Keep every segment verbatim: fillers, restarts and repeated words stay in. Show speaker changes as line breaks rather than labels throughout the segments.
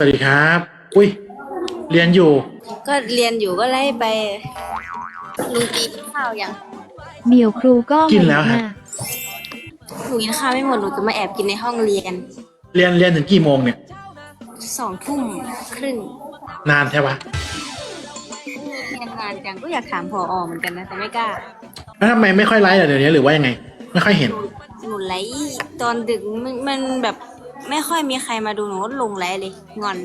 วัสดีครับอุ้ยเรียนอยู่
ก็เรียนอยู่ก็ไล่ไปลุงกินข้าวยัง
เดี๋ยวครูก็
กินแล้วฮะ
หนูกินข้าวไม่หมดหนูจะมาแอบกินในห้องเรียน
เรียนเรียนถึงกี่โมงเนี่ย
สองทุ่มครึ่ง
นานใช่ปะ
เรียนนานจังก็อยากถามผอเหมือนกันนะแต่ไม่กล้า
แล้วทำไมไม่ค่อยไลฟ์เดี๋ยวนี้หรือว่ายังไงไม่ค่อยเห็น
หนูไลฟ์ตอนดึกมันมันแบบไม่ค่อยมีใครมาดูหนูก็ลงไลฟ์เลยงอน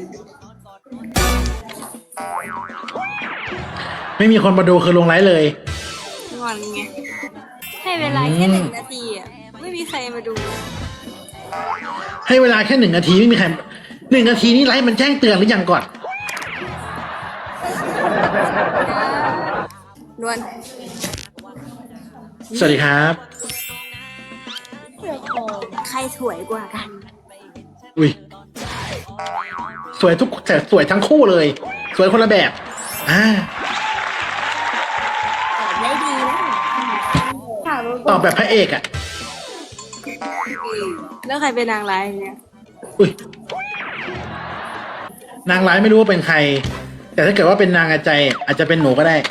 ไม่มีคนมาดูคือลงไลฟ์เลย
งอนไงให้เวลาแค่หนึ่งนาทีอ่ะไม่มีใครมาดู
ให้เวลาแค่หนึ่งนาทีไม่มีใครหนึ่งนาทีนี้ไลฟ์มันแจ้งเตือนหรือยังก่อน
นวล
สวัสดีครับ
ใครสวยกว่ากัน
อุ้ยสวยทุกแต่สวยทั้งคู่เลยสวยคนละแบบอ่า
ได้ดีนะ
ตอบแบบพระเอกอะ
แล้วใครเป็นนางร้ายเนี่ย
อุ้ยนางร้ายไม่รู้ว่าเป็นใครแต่ถ้าเกิดว่าเป็นนางอาใจอาจจะเป็นหนูก็ได้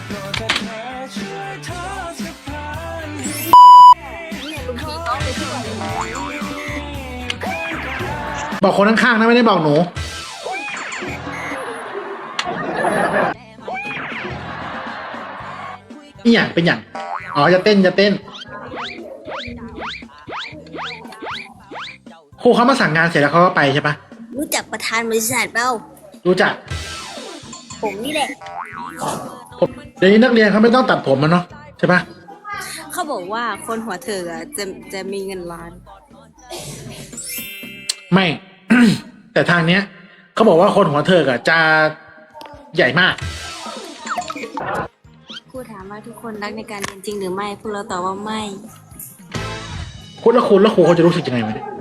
บอกคนข้างๆนะไม่ได้บอกหนูนี่อย่างเป็นอย่างอ๋อจะเต้นจะเต้นครูเขามาสั่งงานเสร็จแล้วเขาก็ไปใช่ปะ
รู้จักประธานบริษัทเปล่า
รู้จัก
ผมนี่แหละ
ผมเดี๋ยวนี้นักเรียนเขาไม่ต้องตัดผมมันเนาะใช่ปะ
เขาบอกว่าคนหัวเธอจะจะมีเงินล้าน
ไม่ แต่ทางเนี้ยเขาบอกว่าคนหัวเธออะจะใหญ่มาก
ครูถามว่าทุกคนรักในการเรียนจริงหรือไม่พวกเราตอบว่าไม่
คุณแล้วคุณแล้วครูเขาจะรู้สึกยังไงไหมเนี่ย